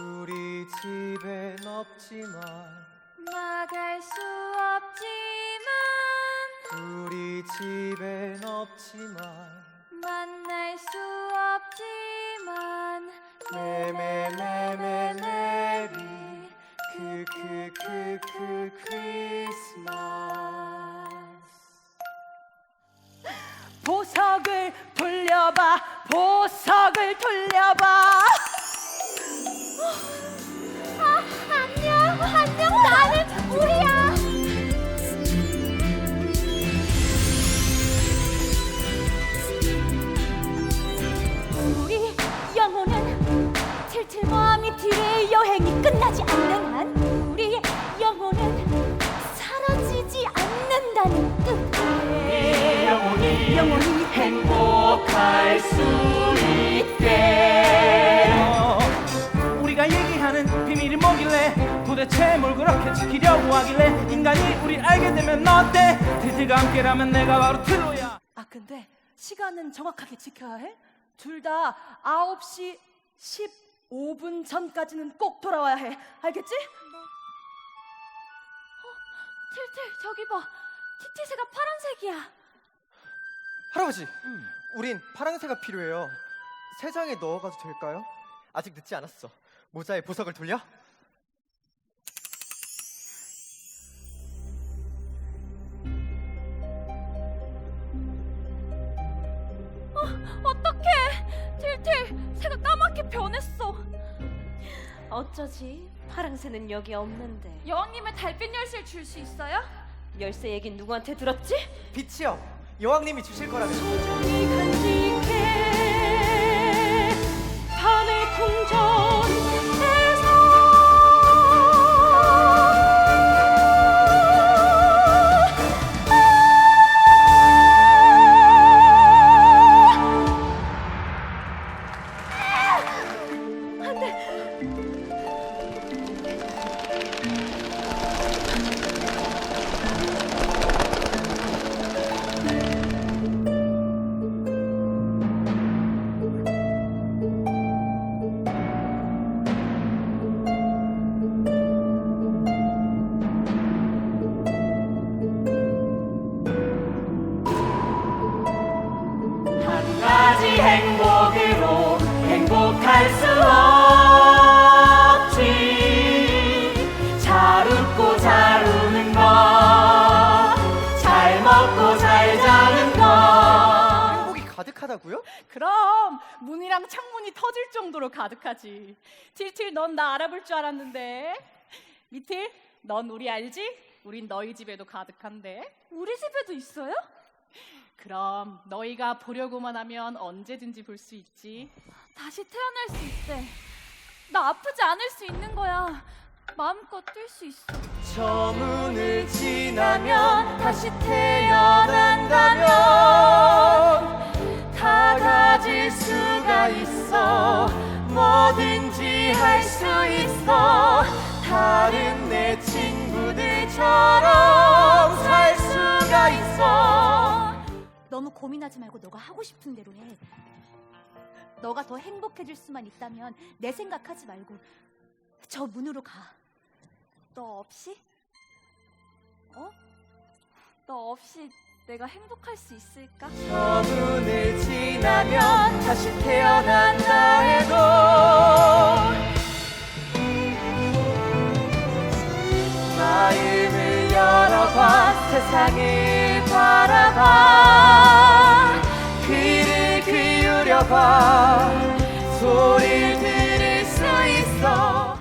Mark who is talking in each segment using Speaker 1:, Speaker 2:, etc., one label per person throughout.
Speaker 1: 우리 집엔 없지만
Speaker 2: 나갈 수 없지만
Speaker 1: 우리 집엔 없지만
Speaker 2: 만날 수 없지만
Speaker 1: 메메메메 메리 크크크크 크리스마스.
Speaker 3: 보석을 돌려봐, 보석을 돌려봐.
Speaker 2: 안녕 나는 우리야.
Speaker 3: 우리 영혼은 틸틸과 미틸의 여행이 끝나지 않는 한 우리의 영혼은 사라지지 않는다는 뜻. 영혼이 행복할 수 있게.
Speaker 4: 우리가 얘기하는 비밀이 뭐길래 도대체 뭘 그렇게 지키려고 하길래 인간이 우릴 알게 되면 어때? 틸틸과 함께라면 내가 바로 틸로야.
Speaker 3: 아 근데 시간은 정확하게 지켜야 해? 둘 다 9시 15분 전까지는 꼭 돌아와야 해. 알겠지?
Speaker 2: 틸틸 저기 봐. 티티새가 파란색이야.
Speaker 1: 할아버지, 우린 파랑새가 필요해요. 새 장에 넣어가도 될까요? 아직 늦지 않았어. 모자에 보석을 돌려?
Speaker 2: 어떡해. 틸틸 새가 까맣게 변했어.
Speaker 3: 어쩌지? 파랑새는 여기 없는데.
Speaker 2: 여왕님의 달빛 열쇠를 줄 수 있어요?
Speaker 3: 열쇠 얘긴 누구한테 들었지?
Speaker 1: 빛이요. 여왕님이 주실 거라면.
Speaker 3: 소중히 간직해 밤의 궁전에서. 한 가지 행복으로 행복할 수 없지. 잘 웃고 잘 우는 것, 잘 먹고 잘 자는 것.
Speaker 1: 행복이 가득하다고요?
Speaker 3: 그럼 문이랑 창문이 터질 정도로 가득하지. 틸틸 넌 나 알아볼 줄 알았는데. 미틸 넌 우리 알지? 우린 너희 집에도 가득한데.
Speaker 2: 우리 집에도 있어요?
Speaker 3: 그럼 너희가 보려고만 하면 언제든지 볼 수 있지.
Speaker 2: 다시 태어날 수 있대. 나 아프지 않을 수 있는 거야. 마음껏 뛸 수 있어.
Speaker 1: 저 문을 지나면 다시 태어난다면 다 가질 수가 있어. 뭐든지 할 수 있어. 다른 내 친구들처럼 살 수가 있어.
Speaker 5: 너무 고민하지 말고 너가 하고 싶은 대로 해. 너가 더 행복해질 수만 있다면 내 생각하지 말고 저 문으로 가.
Speaker 2: 너 없이? 너 없이 내가 행복할 수 있을까?
Speaker 1: 저 문을 지나면 다시 태어난다 해도 마음을 열어봐. 세상을 바라봐. 귀를 기울여봐. 소리를 들을 수 있어.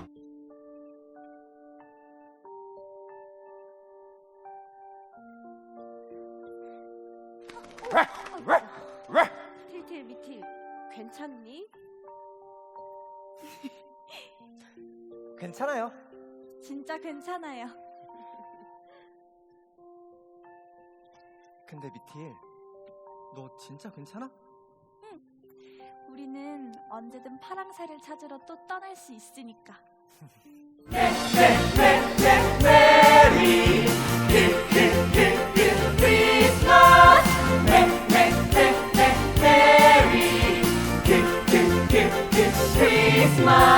Speaker 3: 틸틸 미틸 괜찮니?
Speaker 1: 괜찮아요.
Speaker 2: 진짜 괜찮아요.
Speaker 1: 근데 미틸, 너 진짜 괜찮아?
Speaker 2: 우리는 언제든 파랑새를 찾으러 또 떠날 수 있으니까.
Speaker 1: 메리 크리스마스. 메리 크리스마스.